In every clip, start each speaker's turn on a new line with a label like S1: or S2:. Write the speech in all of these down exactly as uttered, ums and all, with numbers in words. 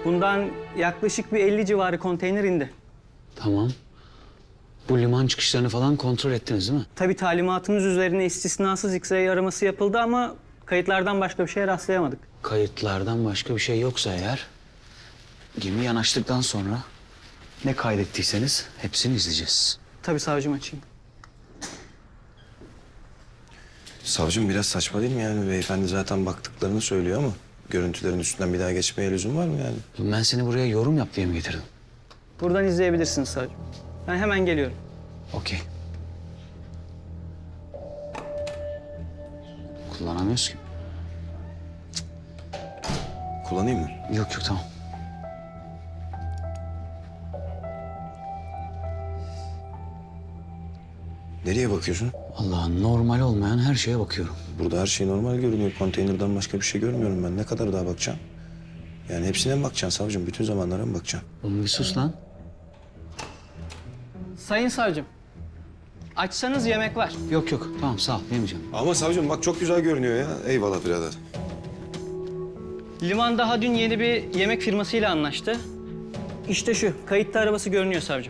S1: Bundan yaklaşık bir elli civarı konteyner indi.
S2: Tamam. Bu liman çıkışlarını falan kontrol ettiniz değil mi?
S1: Tabii talimatımız üzerine istisnasız X-ray araması yapıldı ama kayıtlardan başka bir şeye rastlayamadık.
S2: Kayıtlardan başka bir şey yoksa eğer... gemi yanaştıktan sonra ne kaydettiyseniz hepsini izleyeceğiz.
S1: Tabii savcım, açayım.
S3: Savcım biraz saçma değil mi yani? Beyefendi zaten baktıklarını söylüyor ama görüntülerin üstünden bir daha geçmeye lüzum var mı yani?
S2: Ben seni buraya yorum yap diye mi getirdim?
S1: Buradan izleyebilirsiniz savcım. Ben hemen geliyorum.
S2: Okey. Kullanamıyoruz ki.
S3: Kullanayım mı?
S2: Yok yok tamam.
S3: Nereye bakıyorsun?
S2: Allah, normal olmayan her şeye bakıyorum.
S3: Burada her şey normal görünüyor. Konteynerden başka bir şey görmüyorum ben. Ne kadar daha bakacağım? Yani hepsine mi bakacaksın savcım? Bütün zamanlara mı bakacaksın?
S2: Oğlum bir sus lan.
S1: Sayın savcım, açsanız yemek var.
S2: Yok yok tamam sağ ol yemeyeceğim.
S3: Ama savcım bak çok güzel görünüyor ya. Eyvallah birader.
S1: Liman daha dün yeni bir yemek firmasıyla anlaştı. İşte şu, kayıtlı arabası görünüyor savcım.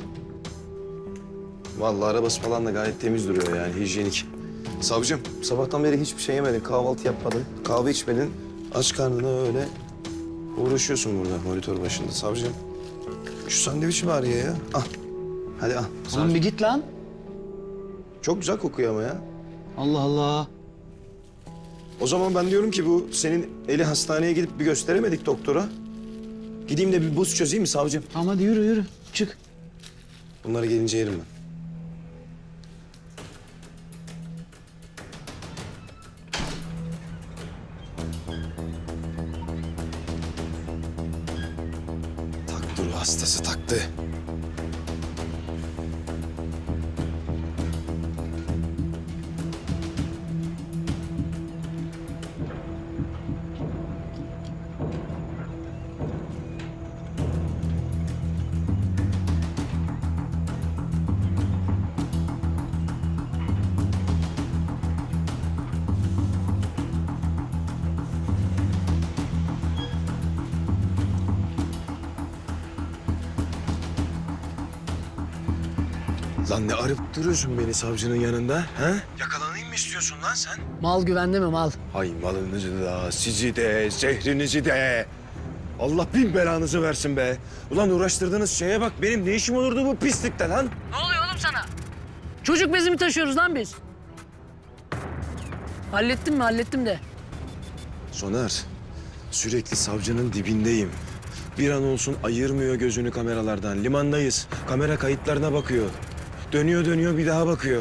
S3: Vallahi arabası falan da gayet temiz duruyor yani, hijyenik. Savcım, sabahtan beri hiçbir şey yemedin, kahvaltı yapmadın, kahve içmedin. Aç karnına öyle uğraşıyorsun burada monitör başında savcım. Şu sandviçi var ya ya. Al. Hadi al.
S2: Oğlum bir git lan.
S3: Çok güzel kokuyor ama ya.
S2: Allah Allah.
S3: O zaman ben diyorum ki bu senin eli hastaneye gidip bir gösteremedik doktora. Gideyim de bir buz çözeyim mi savcım?
S2: Tamam hadi yürü yürü çık.
S3: Bunları gelince yerim ben. Taktı ruh hastası taktı. Lan ne arıp duruyorsun beni savcının yanında? Ha? Yakalanayım mı istiyorsun lan sen?
S4: Mal güvende mi mal?
S3: Hay malınızı da, sizi de, zehrinizi de. Allah bin belanızı versin be. Ulan uğraştırdığınız şeye bak, benim ne işim olurdu bu pislikte lan?
S4: Ne oluyor oğlum sana? Çocuk bezi mi taşıyoruz lan biz? Hallettim mi? Hallettim de.
S3: Soner, sürekli savcının dibindeyim. Bir an olsun ayırmıyor gözünü kameralardan. Limandayız, kamera kayıtlarına bakıyor. Dönüyor dönüyor bir daha bakıyor.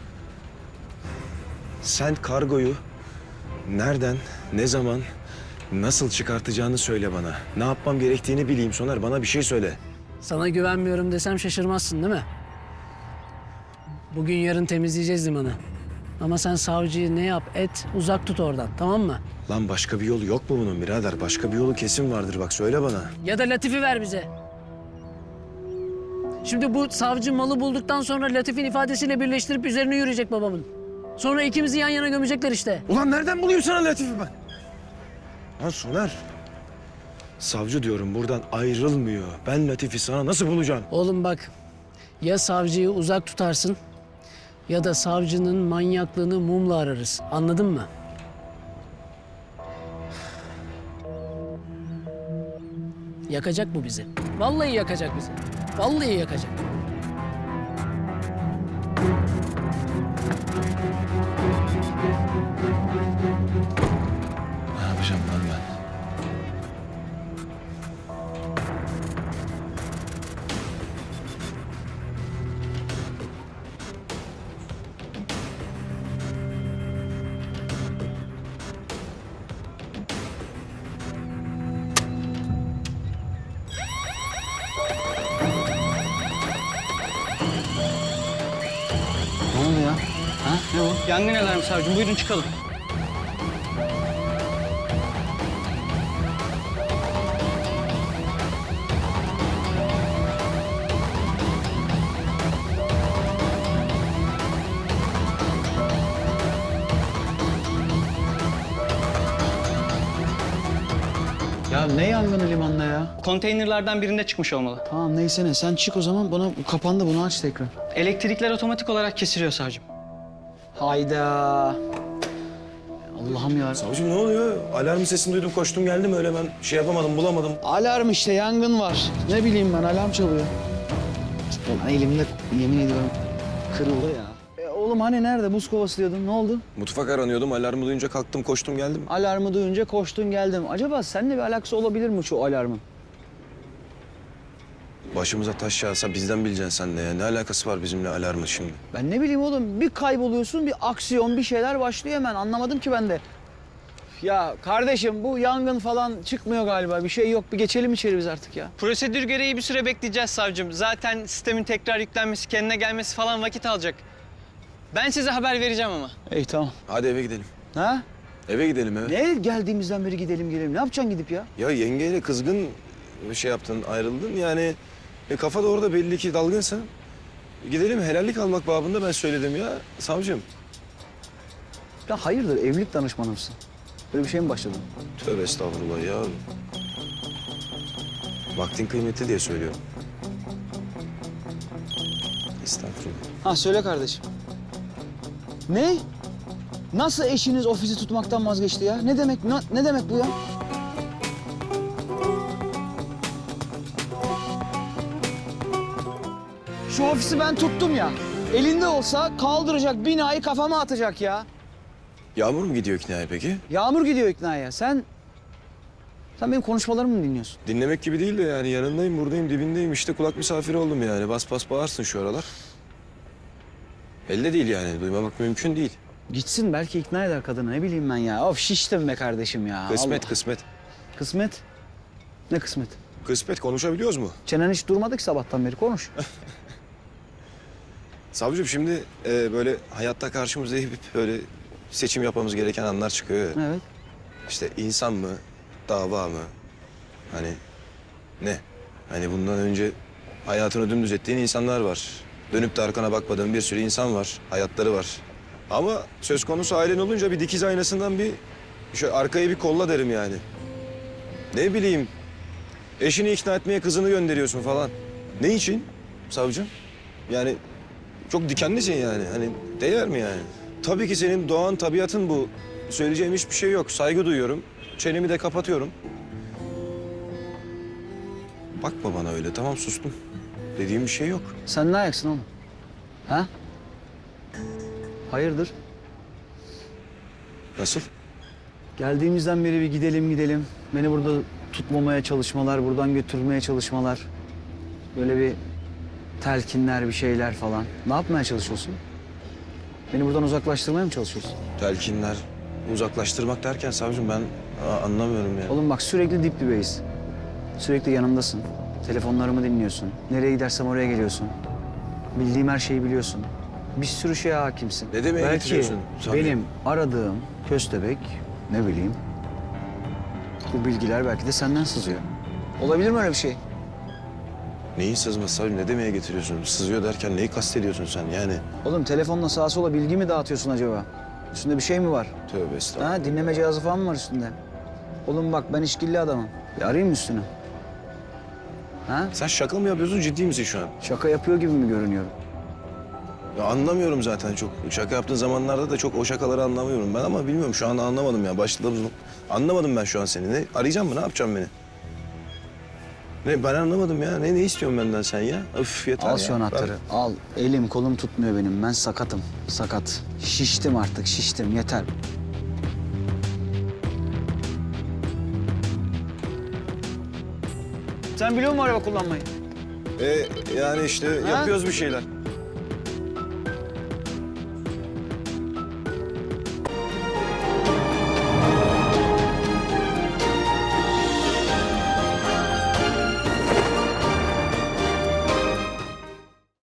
S3: Sen kargoyu nereden, ne zaman, nasıl çıkartacağını söyle bana. Ne yapmam gerektiğini bileyim Soner, bana bir şey söyle.
S4: Sana güvenmiyorum desem şaşırmazsın değil mi? Bugün yarın temizleyeceğiz limanı. Ama sen savcıyı ne yap et uzak tut oradan, tamam mı?
S3: Lan başka bir yolu yok mu bunun birader? Başka bir yolu kesin vardır, bak söyle bana.
S4: Ya da Latif'i ver bize. Şimdi bu savcı malı bulduktan sonra Latif'in ifadesiyle birleştirip üzerine yürüyecek babamın. Sonra ikimizi yan yana gömecekler işte.
S3: Ulan nereden bulayım sana Latif'i ben? Lan Soner, savcı diyorum buradan ayrılmıyor. Ben Latif'i sana nasıl bulacağım?
S4: Oğlum bak, ya savcıyı uzak tutarsın ya da savcının manyaklığını mumla ararız. Anladın mı? Yakacak bu bizi. Vallahi yakacak bizi. Vallahi yakacak.
S3: Ne yapacağım lan ben?
S2: Ne oldu ya? Ha ne o?
S1: Yangın alarmı savcım, buyurun çıkalım.
S2: Ya ne yangını limanda ya?
S1: Konteynerlardan birinde çıkmış olmalı.
S2: Tamam neyse ne. Sen çık o zaman. Bana bu kapandı. Bunu aç tekrar.
S1: Elektrikler otomatik olarak kesiliyor savcım.
S2: Hayda. Allah'ım ya.
S3: Savcım ne oluyor? Alarm sesini duydum koştum geldim öyle ben şey yapamadım bulamadım.
S2: Alarm işte, yangın var. Ne bileyim ben, alarm çalıyor. Ulan elimde yemin ediyorum kırıldı ya. E, oğlum hani nerede? Buz kovası diyordun. Ne oldu?
S3: Mutfak aranıyordum alarmı duyunca kalktım koştum geldim.
S2: Alarmı duyunca koştun geldim. Acaba seninle bir alakası olabilir mi şu alarmın?
S3: Başımıza taş yağsa bizden bileceksin sen de ya. Ne alakası var bizimle alarmın şimdi?
S2: Ben ne bileyim oğlum, bir kayboluyorsun, bir aksiyon, bir şeyler başlıyor hemen. Anlamadım ki ben de. Ya kardeşim bu yangın falan çıkmıyor galiba. Bir şey yok. Bir geçelim içeri biz artık ya.
S1: Prosedür gereği bir süre bekleyeceğiz savcım. Zaten sistemin tekrar yüklenmesi, kendine gelmesi falan vakit alacak. Ben size haber vereceğim ama.
S2: İyi tamam.
S3: Hadi eve gidelim.
S2: Ha?
S3: Eve gidelim eve.
S2: Ne geldiğimizden beri gidelim gelelim. Ne yapacaksın gidip ya?
S3: Ya yengeyle kızgın bir şey yaptın ayrıldın yani. E, kafa da orada belli ki dalgınsın. Gidelim helallik almak babında ben söyledim ya savcım.
S2: Ya hayırdır, evlilik danışmanı mısın? Böyle bir şey mi başladın?
S3: Tövbe estağfurullah ya. Vaktin kıymetli diye söylüyorum. Estağfurullah.
S2: Ha söyle kardeşim. Ne? Nasıl eşiniz ofisi tutmaktan vazgeçti ya? Ne demek ne, ne demek bu ya? Şu ofisi ben tuttum ya. Elinde olsa kaldıracak, binayı kafama atacak ya.
S3: Yağmur mu gidiyor iknaya peki?
S2: Yağmur gidiyor iknaya. Sen sen benim konuşmalarımı mı dinliyorsun?
S3: Dinlemek gibi değil de yani yanındayım, buradayım, dibindeyim. İşte kulak misafiri oldum yani. Bas bas bağırsın şu aralar. Elde değil yani. Duymamak mümkün değil.
S2: Gitsin belki ikna eder kadını, ne bileyim ben ya. Of şiştim be kardeşim ya.
S3: Kısmet,
S2: Allah.
S3: kısmet.
S2: Kısmet? Ne kısmet?
S3: Kısmet konuşabiliyoruz mu?
S2: Çenen hiç durmadı ki sabahtan beri, konuş.
S3: Savcım şimdi e, böyle hayatta karşımıza hep böyle seçim yapmamız gereken anlar çıkıyor. ya.
S2: Evet.
S3: İşte insan mı, dava mı? Hani ne? Hani bundan önce hayatını dümdüz ettiğin insanlar var. Dönüp de arkana bakmadığın bir sürü insan var. Hayatları var. Ama söz konusu ailen olunca bir dikiz aynasından bir şöyle arkaya bir kolla derim yani. Ne bileyim, eşini ikna etmeye kızını gönderiyorsun falan. Ne için savcım? Yani çok dikenlisin yani. Hani değer mi yani? Tabii ki senin doğan tabiatın bu. Söyleyeceğim hiçbir şey yok. Saygı duyuyorum. Çenemi de kapatıyorum. Bakma bana öyle. Tamam sustum. Dediğim bir şey yok.
S2: Sen ne ayaksın oğlum? Ha? Hayırdır?
S3: Nasıl?
S2: Geldiğimizden beri bir gidelim gidelim. Beni burada tutmamaya çalışmalar, buradan götürmeye çalışmalar. Böyle bir telkinler, bir şeyler falan. Ne yapmaya çalışıyorsun? Beni buradan uzaklaştırmaya mı çalışıyorsun?
S3: Telkinler, uzaklaştırmak derken savcım ben aa, anlamıyorum ya.
S2: Oğlum bak sürekli dip dibeyiz. Sürekli yanımdasın. Telefonlarımı dinliyorsun. Nereye gidersem oraya geliyorsun. Bildiğim her şeyi biliyorsun. Bir sürü şeye hakimsin.
S3: Ne demeye
S2: Belki
S3: getiriyorsun? Tabii.
S2: benim aradığım köstebek, ne bileyim, bu bilgiler belki de senden sızıyor. Olabilir mi öyle bir şey?
S3: Neyin sızması savcım? Ne demeye getiriyorsun? Sızıyor derken neyi kastediyorsun sen yani?
S2: Oğlum telefonla sağa sola bilgi mi dağıtıyorsun acaba? Üstünde bir şey mi var?
S3: Tövbe estağfurullah.
S2: Ha, dinleme cihazı falan mı var üstünde? Oğlum bak ben işkilli adamım. Bir arayayım mı üstünü? Ha?
S3: Sen şaka mı yapıyorsun, ciddi misin şu an?
S2: Şaka yapıyor gibi mi görünüyorum?
S3: Ya anlamıyorum zaten çok. Şaka yaptığın zamanlarda da çok o şakaları anlamıyorum ben ama bilmiyorum şu an anlamadım ya. Başladığımız anlamadım ben şu an seni. Ne arayacağım mı? Ne yapacağım beni? Ne ben anlamadım ya. Ne ne istiyorsun benden sen ya? Öf yeter
S2: Al
S3: ya.
S2: şu anahtarı.
S3: Ver.
S2: Al. Elim kolum tutmuyor benim. Ben sakatım. Sakat. Şiştim artık. Şiştim. Yeter. Sen biliyor musun araba kullanmayı?
S3: E, yani işte yapıyoruz bir şeyler.